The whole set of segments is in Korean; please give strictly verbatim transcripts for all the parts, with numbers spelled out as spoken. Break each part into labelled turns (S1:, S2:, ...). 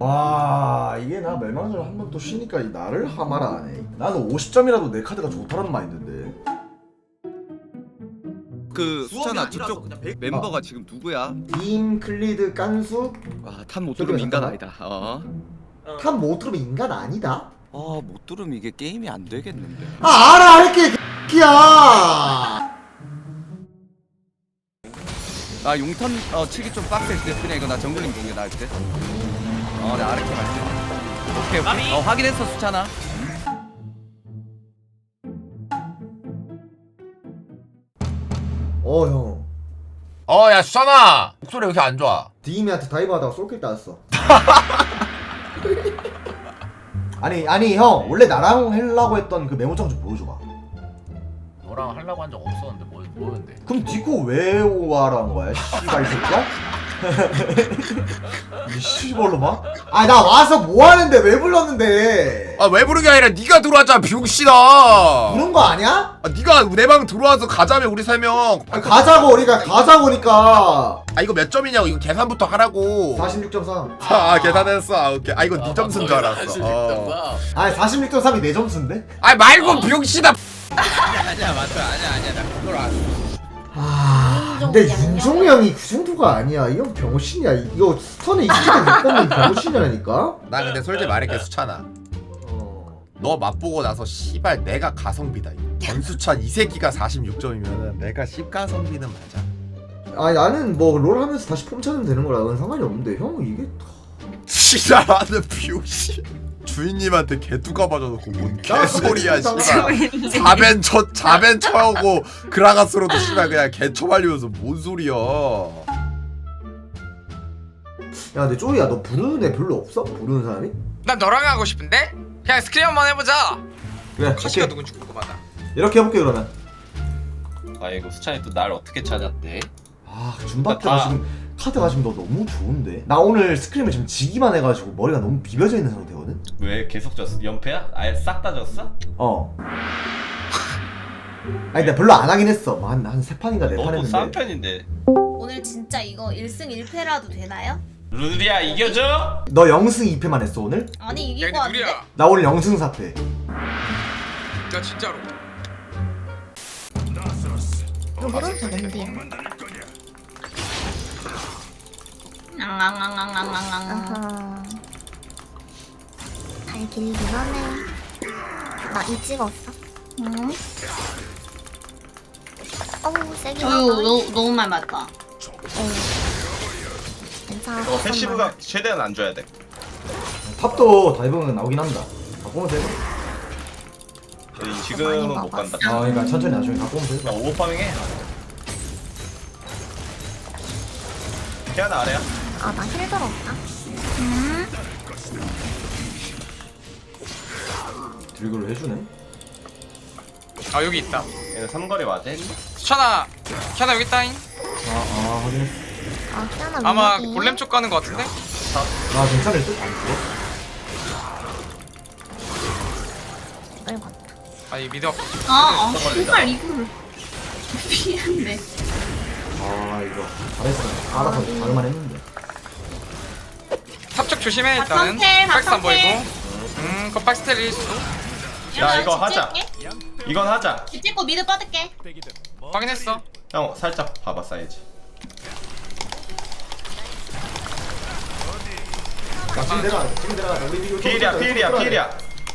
S1: 와 이게 나 멸망전 한 번 또 쉬니까 이 나를 하마라 하네. 나는 오십 점이라도 내 카드가 좋다는 마인드인데.
S2: 그 수찬아 저쪽 멤버가 지금 누구야?
S1: 임, 클리드, 깐수.
S2: 와탄못 들으면 인간 아니다. 어.
S1: 탑 못 들으면 인간 아니다?
S2: 아못 들으면 이게 게임이 안 되겠는데.
S1: 아 알아 할게 개X야.
S2: 아 용턴 어 치기 좀 빡셀 때 그냥 이거 나 정글링 공개 나을 때. 어 나 아르케 할 때. 오케이 오케이. 어 확인했어 수찬아.
S1: 어 형.
S3: 어 야 수찬아 목소리 왜 이렇게 안 좋아?
S1: 디임이한테 다이브 하다가 솔킬 따였어. 아니 아니 형 원래 나랑 하려고 했던 그 메모장 좀 보여줘봐.
S3: 너랑 하려고 한 적 없었는데 뭐, 뭐였는데?
S1: 그럼 디코 왜 오하라는 거야? 씨발 이 새끼야? 이 씨발로 막? 아 나 와서 뭐 하는데 왜 불렀는데?
S3: 아 왜 부른 게 아니라 네가 들어왔잖아 비용씨다.
S1: 부른 거 아니야?
S3: 아 네가 내 방 들어와서 가자며 우리 세 명.
S1: 아, 가자고 우리가 가자고니까.
S3: 아 이거 몇 점이냐고 이거 계산부터 하라고.
S1: 사십육 점 삼.
S3: 아 계산했어. 아 오케이. 아 이거 네 점수인 줄 알았어. 어.
S1: 아 사십육 점 삼이 내 점수인데?
S3: 아 말고 비용씨다.
S2: 아니야 맞아 아니야 아니야 나 그걸 안.
S1: 아 근데 윤종이 형이 그 정도가 아니야. 이 형 병신이야. 이거 스턴에 이기는 못 뽑는 병신이라니까?
S3: 나 근데 솔직히 말할게 수찬아. 너 맛보고 나서 씨발 내가 가성비다. 권수찬 이 새끼가 사십육 점이면은 내가 십가성비는 맞아.
S1: 아 나는 뭐 롤 하면서 다시 폼 찾으면 되는 거라 그건 상관이 없는데 형 이게
S3: 지랄하는 비용씨. 주인님한테 개뚜가 맞아놓고 뭔 개소리야 씨발. 자벤 쳐 자벤 쳐오고 그라가스로도 씨발 그냥 개 쳐발리면서 뭔 소리야.
S1: 야 근데 쪼이야 너 부르는 애 별로 없어? 부르는 사람이?
S4: 난 너랑 하고 싶은데? 그냥 스크린 한번 해보자.
S1: 그래
S4: 카시가
S1: 오케이.
S4: 누군지 궁금하다.
S1: 이렇게 해볼게 그러면.
S5: 아이고 수찬이 또 날 어떻게 찾았대?
S1: 아 준바트가
S5: 다-
S1: 지금 카드가 지금 너 너무 좋은데? 나 오늘 스크림을 지금 지기만 해가지고 머리가 너무 비벼져 있는 상태거든?
S5: 왜 계속 졌어? 연패야? 아예 싹 다 졌어?
S1: 어 아니 내가 별로 안 하긴 했어 뭐 한 한 세 판인가 네 판
S5: 너무 싼
S1: 했는데
S5: 편인데.
S6: 오늘 진짜 이거 일 승 일 패라도 되나요?
S5: 루리야 이겨줘?
S1: 너 영 승 이 패만 했어 오늘?
S6: 아니
S4: 야
S6: 이길
S4: 근데
S6: 거 같은데?
S4: 누리야.
S1: 나 오늘 영 승 사 패.
S4: 야 진짜로.
S7: 이거 모르면 되는데요.
S6: 앙앙앙앙앙앙앙
S7: 아하. 잘 길긴 하네. 나 이 찍었어.
S6: 응?
S7: 어우 세긴
S6: 어휴
S7: 하다.
S6: 너무, 너무 많이 맞다.
S7: 어. 괜찮아.
S5: 너 패시브가 최대한 안 줘야 돼.
S1: 탑도 다이브는 나오긴 한다. 바꾸면 돼.
S5: 저희 지금은 못 간다.
S1: 아 그러니까 천천히 나중에 바꾸면 돼.
S5: 나 오버파밍 해. 피아나 아래야?
S7: 아, 나 힐 들었다.
S6: 음?
S1: 드리그를 해주네.
S4: 아 여기 있다.
S5: 얘는 삼거리 맞아?
S4: 수찬아, 키아나 여기 있다잉.
S1: 아아 확인했어.
S7: 아, 피아나
S4: 아마
S7: 위력이.
S4: 골렘 쪽 가는 거 같은데?
S1: 나 괜찮을 듯? 안 죽어?
S7: 이걸 봤다.
S4: 아니 미드 앞.
S6: 아, 아, 씨발 이거를 피했네.
S1: 아 이거 잘했어. 알아서 다를만 했는데.
S4: 탑쪽 조심해 일단은.
S6: 박성태,
S4: 박스 안 보이고.
S6: 박성태.
S4: 음, 그 박스텔일 수도.
S5: 야 이거 하자. 이건 하자.
S6: 집 찍고 미드 뻗을게.
S4: 확인했어.
S5: 형 살짝 봐봐 사이즈.
S1: 자 지금 내가 지금 내가 우리 이거
S5: 피일이야 피일이야 피일이야.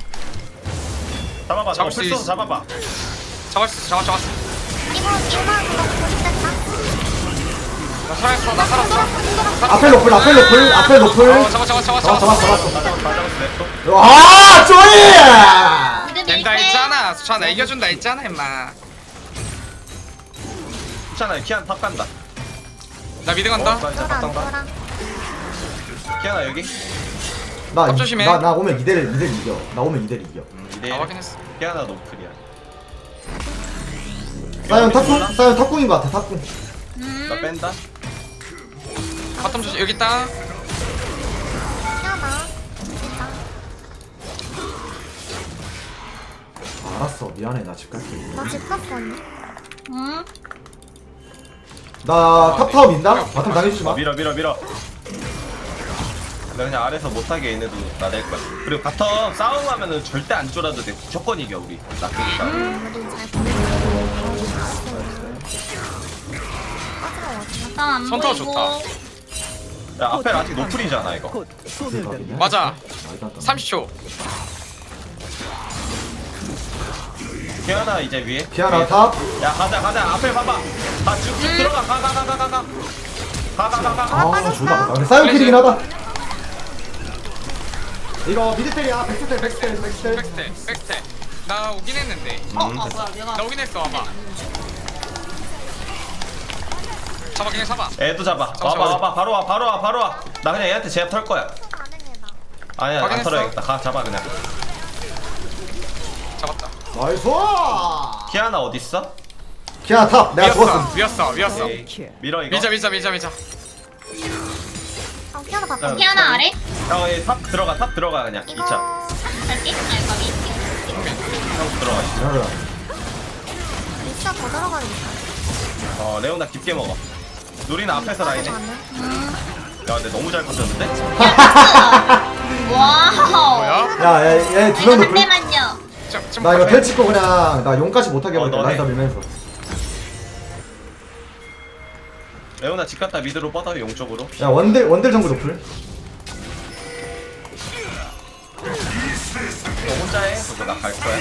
S5: 잡아봐.
S4: 잡을
S5: 잡을
S4: 수
S5: 수
S4: 있어.
S5: 있어. 잡아봐.
S4: 잡았어, 잡았어, 잡았어.
S7: 이거, 이거만 그거 보겠다.
S4: 나 살았어, 나 살았어.
S1: 앞에 높을 앞에 높을 앞에 높을.
S4: 어, 잡아, 잡아, 잡아,
S1: 잡았어
S4: 잡아.
S1: 잡았어 잡았어.
S5: 다 잡았어. 다 잡았어. 냅둬.
S1: 아 쪼이!
S6: 미드
S4: 된다
S6: 밀게.
S4: 했잖아. 수찬아 이겨준다 했잖아, 임마.
S5: 수찬아 키안 탑 간다.
S4: 나 미드
S5: 어,
S4: 간다.
S5: 진짜
S7: 쫄아,
S5: 바탕 봐.
S7: 쫄아.
S5: 키아나 여기.
S1: 나
S4: 탑 조심해.
S1: 나 나 오면 이대를 이대를 이겨. 나 오면 이대를 이겨.
S5: 음, 이대.
S4: 아, 확인했어.
S5: 키아나 노플이야.
S1: 사연 탑궁 사연 탑궁인 것 같아 탑궁.
S5: 나
S6: 음.
S5: 뺀다.
S4: 바텀 조심. 여기 있다.
S7: 피아나. 진짜.
S1: 아, 알았어 미안해 나 집 갈게.
S7: 나집 갔어, 언니.
S6: 음?
S1: 나 탑타워 민다. 바텀 당해주지
S5: 어,
S1: 마.
S5: 밀어 밀어 밀어. 그냥 아래서 못하게 얘네도 나댈 거야. 그리고 바텀 싸움하면은 절대 안 쫄아도 돼. 무조건 이겨 우리. 낙하기 싸움.
S7: 우리 잘 보내고.
S6: 나안
S4: 선터
S6: 보이고.
S4: 좋다.
S5: 야 앞에 아직 노플이잖아 이거.
S4: 맞아. 삼십 초.
S5: 피아나 이제 위에.
S1: 피아나
S5: 위에.
S1: 탑.
S5: 야 가자 가자 앞에 봐봐. 가 쭉쭉 들어가 가 가 가 가 가 가. 가 가 가 가.
S1: 아 좋다. 아, 근데 사이언킬이긴 하다. 이거 미드텔이야. 백스텔 백스텔 백스텔.
S4: 백스텝 백스텝. 나 오긴 했는데.
S6: 어, 아 뭐야 내가.
S4: 나 오긴 했어. 와봐. 잡아 그냥 잡아.
S5: 애도 잡아.
S4: 잠시만.
S5: 와봐 와봐 바로 와 바로 와 바로 와. 나 그냥 얘한테 제압 털 거야.
S7: 가능해다.
S5: 아니야 안
S4: 확인했어.
S5: 털어야겠다. 가 잡아 그냥.
S4: 잡았다.
S1: 나이스.
S5: 피아나 어디 있어?
S1: 피아나 탑. 내가 죽었어.
S4: 위였어 위였어 위였어.
S5: 에이, 밀어 이거.
S4: 밀자 밀자 밀자 밀자.
S7: 어, 피아나
S5: 야,
S7: 바꿔.
S6: 피아나 아래?
S5: 형, 얘 탑 들어가, 탑 들어가 그냥
S7: 이거
S5: 이 차.
S6: 갈게. 아니 가비.
S5: 형 들어가.
S1: 기다려.
S7: 리사 더 들어가겠다.
S5: 어, 레오나 깊게 먹어. 누리는 앞에서 라인해. 야, 근데 너무 잘 컸었는데?
S6: 와우.
S4: 뭐야?
S1: 야얘두
S6: 이거
S1: 명
S6: 한
S1: 높을.
S6: 대만요.
S4: 좀, 좀
S1: 나 이거
S4: 가까이.
S1: 텔 찍고 그냥 나 용까지 못하게
S5: 어,
S1: 해버릴게.
S5: 너네.
S1: 라인 다 밀면서.
S5: 레오나 집 갔다 미드로 뻗어, 용 쪽으로.
S1: 야 원딜 원딜 정글 높을.
S5: 너 혼자 해? 그거 나 갈 거야.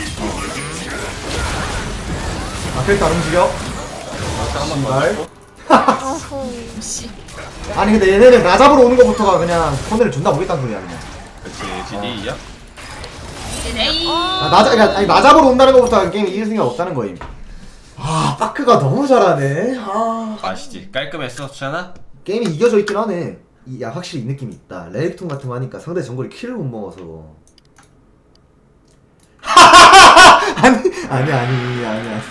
S1: 아 캐릭터 안 움직여.
S5: 여기서 한번
S1: 씨발.
S5: 더 넣고.
S7: 어후.
S6: 씨.
S1: 아니 근데 얘네는 나 잡으러 오는 거부터가 그냥 손해를 준다 보겠다는 소리야 그냥.
S5: 그치, 지디야?
S6: 에이.
S1: 아, 나, 잡- 아니, 나 잡으러 온다는 것부터 게임이 이길 생각 없다는 거임. 아 파크가 너무 잘하네. 아
S5: 아시지? 깔끔했어, 수찬아?
S1: 게임이 이겨져 있긴 하네. 이, 야 확실히 이 느낌이 있다. 레이톤 같은 거 하니까 상대 정글이 킬을 못 먹어서. 아니 아니 아니 아니 아니.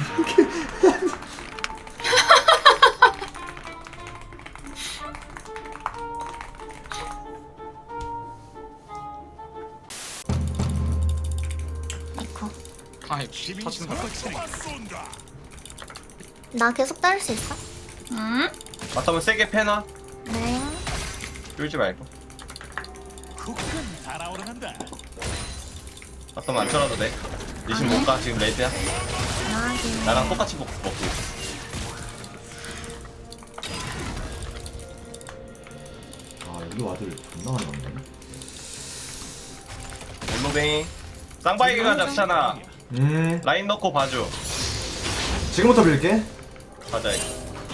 S7: 이거.
S4: 아이 터진다.
S7: 나 계속 따를 수 있어?
S6: 응?
S5: 바텀은 세게 패놔.
S7: 네.
S5: 쫄지 말고. 바텀 안 쳐라도 돼. 리신 못 가, 지금 레이드야.
S7: 나하긴.
S5: 나랑 똑같이 먹, 먹고 있어.
S1: 아 여기 와들 존나 많이 왔네.
S5: 엠무뱅이. 쌍바이게 가자, 수찬아.
S1: 음
S5: 라인 넣고 봐줘.
S1: 지금부터 빌게.
S5: 가자 이거.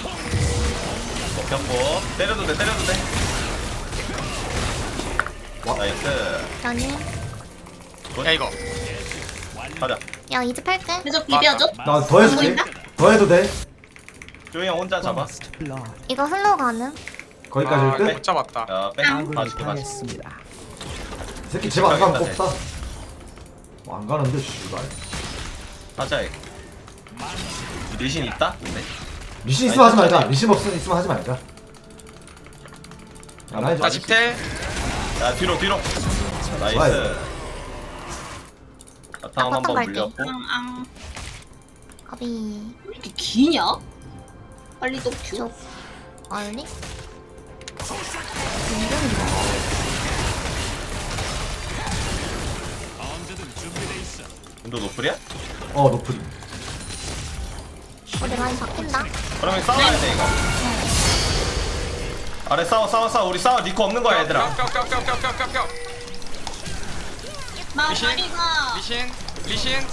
S5: 먹혔고 때려도 돼 때려도 돼.
S1: 와.
S5: 나이스.
S7: 아니.
S4: 야 이거.
S5: 가자.
S7: 야 이제 팔게.
S6: 계속 비벼줘.
S1: 나 더 해줄게.
S6: 보인다?
S1: 더 해도 돼.
S5: 조이 형 혼자 잡아.
S7: 이거 흘러 가는.
S1: 거기까지
S4: 아,
S1: 일 듯.
S4: 못 잡았다.
S5: 야 빼. 봐줄게 봐줄게.
S1: 이 새끼 집 안 가면 꼽다. 뭐 안 가는데 씨발.
S5: 하자 이거. 리신 있다? 근데.
S1: 리신 있으면 하지 말자. 리신 없으면 있으면 하지 말자. 야, 라인
S4: 나
S1: 좀-
S4: 집텔.
S5: 야 뒤로 뒤로. 나이스.
S1: 좋아요.
S5: 바탕
S7: 나
S5: 한번
S7: 바탕 갈게.
S5: 물렸고.
S6: 앙앙.
S7: 가비.
S6: 왜 이렇게 기냐? 빨리 또 큐.
S7: 쪽. 얼리?
S5: 너 노플이야?
S1: 어 노플이.
S7: 우리 라인 바뀐다.
S5: 그러면 싸워야 돼 이거. 아래 싸워 싸워 싸워 우리 싸워 니코 없는 거야 얘들아.
S4: 뼈뼈뼈뼈뼈뼈뼈.
S6: 나
S4: 미신?
S6: 빨리가.
S4: 리신 리신.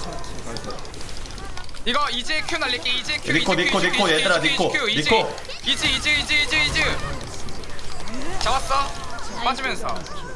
S4: 이거 이제 큐 날릴게. 이제 큐.
S5: 니코,
S4: 이제
S5: 니코,
S4: 큐,
S5: 니코,
S4: 이제 큐,
S5: 얘들아,
S4: 이제
S5: 니코,
S4: 큐, 이제
S5: 니코.
S4: 이즈 이즈 이즈 이즈 이즈. 잡았어. 빠지면서.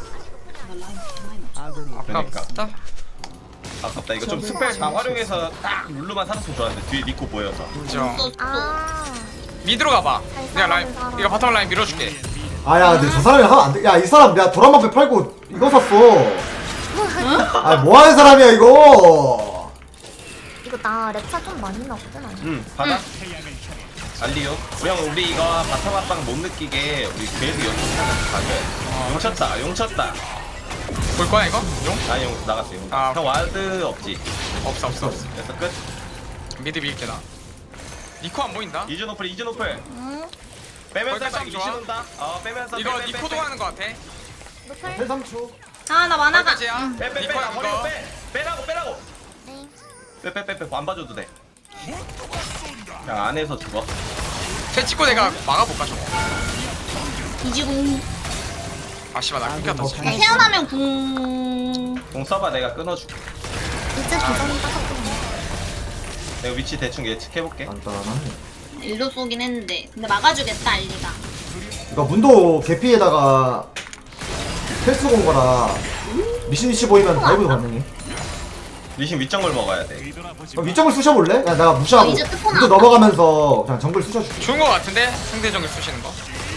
S5: 그러니까.
S4: 아깝다.
S5: 아깝다 이거 좀 스펠 다 활용해서 딱 룰루만 살았으면 좋았는데 뒤에 니코 보여서.
S4: 인정.
S6: 또 또.
S7: 아.
S4: 미드로 가봐.
S7: 잘
S4: 내가 라인
S7: 싸우는
S4: 이거 바텀 라인 밀어줄게.
S1: 아야 근데 저 사람이 하면 안 돼. 야 이 사람 내가 도란방패 팔고 이거 샀어. 아 뭐하는 사람이야 이거.
S7: 이거 나 랩차 좀 많이 넣거든 아니?
S5: 응 받아. 알리요. 우리 형 우리 이거 바텀 합방 못 느끼게 우리 계속 연습 하면서 가져야 용 쳤다 용 쳤다.
S4: 볼 거야 이거? 용?
S5: 아니 용 나갔어 용.
S4: 아,
S5: 형 와드 없지.
S4: 없어 없어 없어.
S5: 그래서 끝.
S4: 미드 밀게 나. 니코 안 보인다.
S5: 이즈 노플 이즈 노플.
S7: 응.
S5: 빼면서
S4: 거기까지
S5: 딱
S4: 좋아.
S5: 리신 온다. 어 빼면서
S4: 이거
S5: 빼, 빼,
S4: 니코도
S5: 빼.
S4: 하는 거 같아.
S7: 노플.
S1: 텔 삼 초.
S6: 아 나 만화가.
S4: 여기까지야.
S5: 빼 빼 빼
S4: 니코야
S5: 버리고
S4: 이거.
S5: 빼 빼라고 빼라고
S7: 네.
S5: 빼 빼 빼빼 안 봐줘도 돼 그냥 안에서 죽어
S4: 쟤 찍고 내가 막아볼까 저거.
S6: 이지궁.
S4: 아 씨발 나 끊겼다 진짜.
S6: 네, 태어나면 궁.
S5: 공 써봐 내가 끊어줄게
S7: 이제 도전이 빠졌거든요.
S5: 내가 위치 대충 예측해볼게
S1: 간단하네.
S6: 일로 쏘긴 했는데 근데 막아주겠다 알리가.
S1: 이거 문도 개피에다가 텔스 온 거라 미신 위치 보이면 다이브도 가능해.
S5: 리신 윗정글 먹어야 돼
S1: 그럼 위쪽을 쑤셔볼래? 야, 내가 무시하고
S6: 어, 이제 뜯어놔.
S1: 문도 넘어가면서 그냥 정글 쑤셔줄게.
S4: 좋은 거 같은데 상대 정글 쑤시는 거.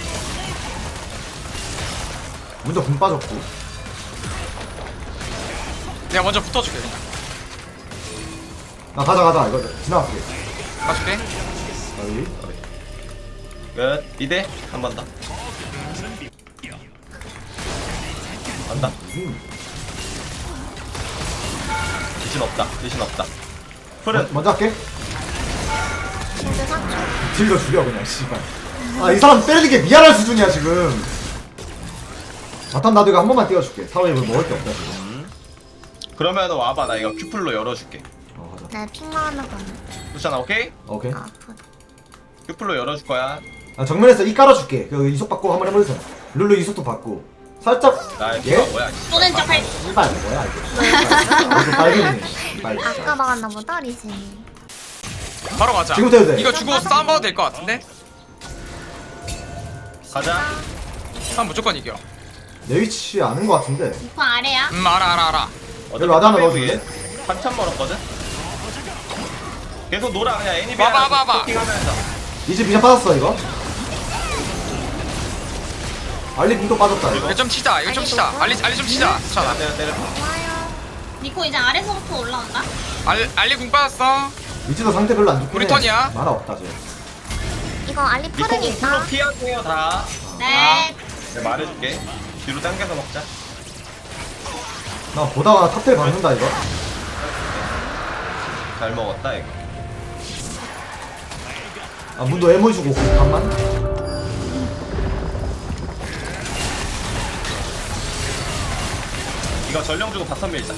S1: 문도 금 빠졌고.
S4: 내가 먼저 붙어줄게 그냥.
S1: 나 가자 가자 이거 지나갈게.
S4: 봐줄게.
S1: 여기.
S5: 끝 이대 한 번 더 간다
S1: 음.
S5: 리신 없다 리신 없다
S1: 먼-
S5: 풀은
S1: 먼저 할게.
S7: 이제 삼 초.
S1: 딜러 죽여 그냥 씨발. 아 이 사람 때리는 게 미안할 수준이야 지금. 바텀 나도 이거 한 번만 띄워줄게. 사회에 먹을 게 없다 지금.
S5: 그러면 와봐 나 이거 큐플로 열어줄게
S1: 어 가자.
S7: 네, 핑만 하나 가네.
S5: 수찬아 오케이?
S1: 오케이.
S7: 아, 아프다.
S5: 큐플로 열어줄 거야
S1: 아, 정면에서 이 깔아줄게. 그 이속 받고 한번 해보세요. 룰루 이속도 받고. 살짝.
S5: 나
S1: 예?
S5: 피가 뭐야
S6: 쏘는 척 할.
S1: 이발 뭐야 이게. 이거 빨개지네. 이발
S7: 아까
S1: 진짜.
S7: 막았나 보다, 리신이.
S4: 바로 가자.
S1: 지금부터 해도 돼.
S4: 이거 주고 싸움 봐도 될 것 같은데?
S5: 가자
S4: 싸움 무조건 이겨.
S1: 내 위치 아는 거 같은데.
S6: 이코 아래야.
S4: 음 알아 알아 알아.
S1: 여기 와드 하나 넣어줄래?
S5: 한참 멀었거든? 계속 놀아 그냥 애니비
S4: 와봐, 와봐, 와봐.
S5: 하면서
S1: 이제 비전 빠졌어 이거. 알리 문도 빠졌다 이거.
S4: 이거 좀 치자. 이거 좀 치자. 알리 알리 좀 치자. 자,
S5: 때려 때려
S7: 좋아요.
S6: 니코 이제 아래서부터 올라온다.
S4: 알 알리 궁 빠졌어.
S1: 위치도 상태 별로 안 좋긴
S4: 우리
S1: 해.
S4: 턴이야.
S1: 만화 없다 쟤.
S7: 이거 알리
S5: 니코
S7: 푸른
S5: 풀로
S7: 있다.
S5: 피하세요 다
S6: 네.
S5: 내가 말해줄게 뒤로 당겨서 먹자
S1: 나 보다가 탑텔 박는다 이거.
S5: 잘 먹었다 이거
S1: 아 문도 에모 주고 간만.
S5: 이거 전령 주고 바텀 밀자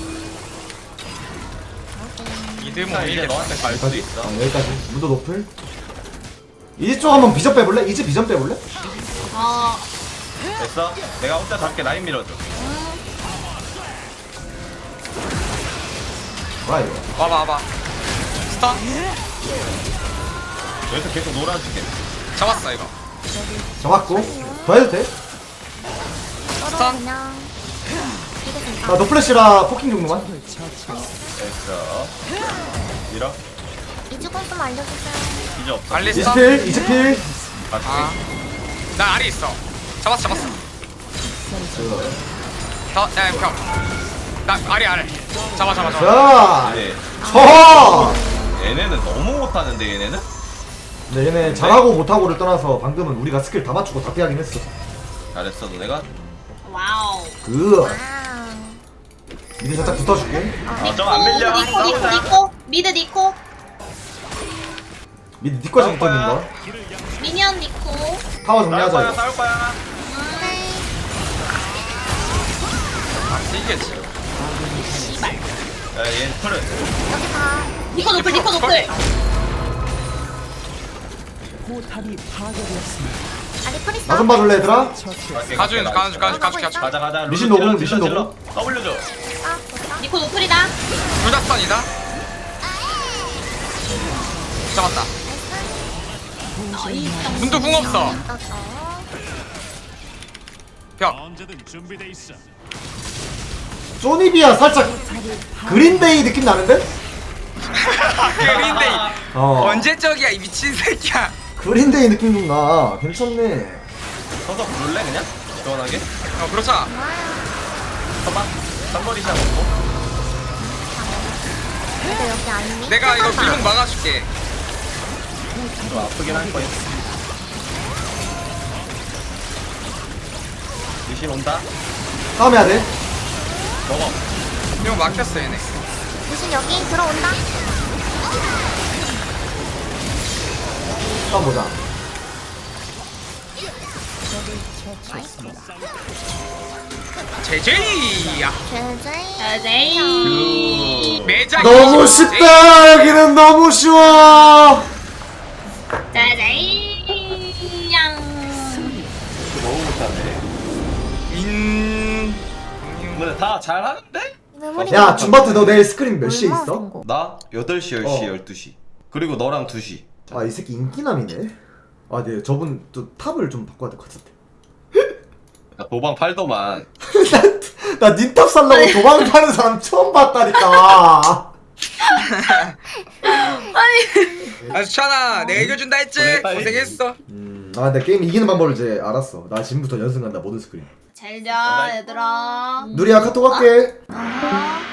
S4: 이드 뭐
S5: 자 이제
S4: 이제
S5: 너한테 갈 수도
S1: 여기까지.
S5: 있어
S1: 아, 여기까지. 문도 높을. 이제 쪽 한번 비전 빼볼래? 이제 비전 빼볼래?
S6: 어.
S5: 됐어? 내가 혼자 잡게 라인 밀어줘
S1: 뭐야 이거.
S4: 와봐 와봐. 스턴
S5: 여기서 계속 놀아줄게
S4: 잡았어 이거.
S1: 잡았고. 더 해도 돼?
S7: 서로
S4: 스턴.
S7: 그냥. 이게 된다.
S1: 나 노플래시라 포킹 정도만.
S5: 됐어 밀어
S7: 이주공 좀 알려주세요.
S5: 이제 없어
S4: 알리
S1: 이제
S4: 스턴.
S1: 필. 이제 필.
S5: 맞지?
S4: 아. 나 알이 있어. 잡았어 잡았어. 더, 야, 형. 나 알이 알. 잡아 잡아 잡아.
S1: 자.
S5: 네.
S1: 쳐.
S5: 얘네는 너무 못하는데 얘네는?
S1: 근데 얘네 잘하고 못하고를 떠나서 방금은 우리가 스킬 다 맞추고 다 피하긴 했어.
S5: 잘했어 너네가
S6: 와우.
S1: 그
S7: 와우.
S1: 미리 살짝 붙어줄게.
S5: 아 좀 안 밀려
S6: 니코 니코
S5: 싸우자
S6: 니코. 미드 니코.
S1: 미리 니꺼 좀
S5: 싸울
S1: 있는
S5: 거야.
S1: 거.
S6: 미니언 니코.
S1: 타워
S5: 싸울
S1: 정리하자
S5: 거야
S1: 이거.
S5: 싸울 거야
S7: 네.
S4: 아, 이겼지.
S6: 씨발.
S5: 야얘 풀은
S7: 여기 다.
S6: 니코 노플 니코 노플.
S7: 알리 프리스.
S1: 나 좀 봐줄래 얘들아?
S4: 가주 가주 가주 가주 가주.
S5: 가자 가자
S1: 리신
S5: 룰루
S1: 노공,
S5: 질러,
S1: 리신
S5: 질러,
S1: 노공.
S5: 질러. W 줘
S7: 아, 좋다.
S6: 니코 노플이다.
S4: 둘다 스턴이다. 잡았다.
S6: 나이스.
S4: 문도 궁 없어.
S7: 떴어.
S4: 벽.
S1: 쪼니비야 살짝 그린데이 느낌 나는데?
S4: 그린데이.
S1: 어.
S4: 언제적이야 이 미친 새끼야.
S1: 그린데이 느낌 좀 나. 괜찮네.
S5: 서서 부를래 그냥? 시원하게?
S4: 어 그렇잖아.
S5: 서봐 쌈머리 시작 먹고
S7: 근데 여기 알리.
S4: 내가 이거 길목 막아줄게.
S5: 좀 아프긴 할 거야 리신 온다
S1: 싸움 해야 돼.
S5: 먹어
S4: 이거 막혔어 얘네.
S7: 무슨 여기 들어온다.
S1: 싸움 보자.
S4: 제제이야.
S7: 제제.
S6: 제제이.
S4: 매자
S1: 너무
S4: 이십.
S1: 쉽다. 여기는 너무 쉬워.
S6: 제제이. 양.
S5: 너무 못하네.
S4: 인.
S5: 근데 다 잘하는데?
S7: 메모리.
S1: 야 줌바트 너 내일 스크린 몇 시에 있어?
S5: 나 여덟 시, 열 시,
S1: 어.
S5: 열두 시. 그리고 너랑 두 시.
S1: 아 이 새끼 인기남이네. 아 네 저분 또 탑을 좀 바꿔야 될 것 같은데.
S5: 나 도방 팔더만.
S1: 나 닌탑 살라고 도망 타는 사람 처음 봤다니까.
S4: 아 수찬아 내가 이겨준다 했지.
S5: 그래, 빨리.
S4: 고생했어.
S1: 음, 아 근데 게임 이기는 방법을 이제 알았어. 나 지금부터 연승 간다 모든 스크린.
S6: 잘자 얘들아.
S1: 누리야 카톡 할게.
S6: 아.